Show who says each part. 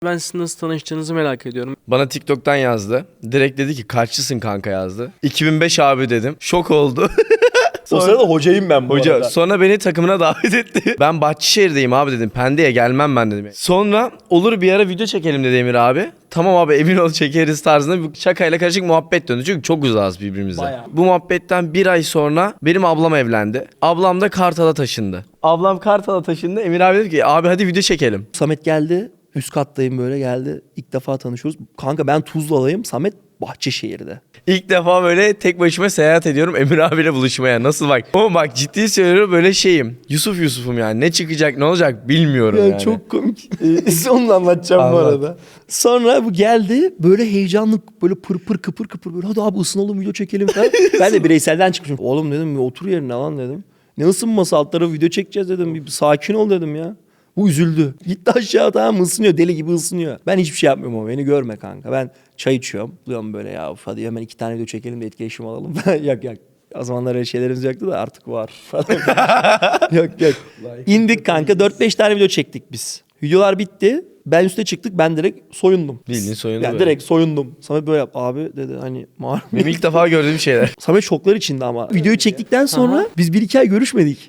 Speaker 1: Ben sizin nasıl tanıştığınızı merak ediyorum.
Speaker 2: Bana TikTok'tan yazdı. Direkt dedi ki kaçlısın kanka yazdı. 2005 abi dedim. Şok oldu.
Speaker 3: O sırada hocayım ben bu
Speaker 2: Hoca
Speaker 3: arada.
Speaker 2: sonra beni takımına davet etti. Ben Bahçeşehir'deyim abi dedim. Pendik'e gelmem ben dedim. Sonra olur bir ara video çekelim dedi Emir abi. Tamam abi emin ol çekeriz tarzında bir şakayla karışık muhabbet döndü. Çünkü çok uzağız birbirimize.
Speaker 3: Bayağı.
Speaker 2: Bu muhabbetten bir ay sonra benim ablam evlendi. Ablam da Kartal'a taşındı. Ablam Kartal'a taşındı. Emir abi dedi ki abi hadi video çekelim.
Speaker 4: Samet geldi. Üst kattayım böyle geldi. İlk defa tanışıyoruz. Kanka ben Tuzla'dayım. Samet Bahçeşehir'de.
Speaker 2: İlk defa böyle tek başıma seyahat ediyorum Emir abiyle buluşmaya. Nasıl bak? Ama bak ciddi söylüyorum böyle şeyim. Yusuf'um yani. Ne çıkacak ne olacak bilmiyorum
Speaker 4: Ya
Speaker 2: yani.
Speaker 4: çok komik. Sonunu anlatacağım bu
Speaker 2: Anlat.
Speaker 4: arada. Sonra bu geldi böyle heyecanlı böyle pır kıpır kıpır böyle hadi abi ısınalım video çekelim falan. Ben de bireyselden çıkmışım. Oğlum dedim otur yerine lan dedim. Ne ısınması alt tarafı video çekeceğiz dedim. Bir sakin ol dedim ya. Bu üzüldü. Gitti aşağı tamam mı ısınıyor deli gibi ısınıyor. Ben hiçbir şey yapmıyorum ama beni görme kanka. Ben çay içiyorum. Diyorum böyle ya hadi hemen 2 tane video çekelim de etkileşim alalım. Yok. O zamanlar öyle şeylerimiz yoktu da artık var falan. Yok. İndik kanka 4-5 tane video çektik biz. Videolar bitti. Ben üste çıktık ben direkt soyundum.
Speaker 2: Bildiğin soyundu
Speaker 4: Yani
Speaker 2: böyle.
Speaker 4: direkt soyundum. Samet böyle yap abi dedi hani
Speaker 2: Benim ilk defa gördüğüm şeyler.
Speaker 4: Samet şoklar içinde ama. Videoyu çektikten sonra biz 1-2 ay görüşmedik.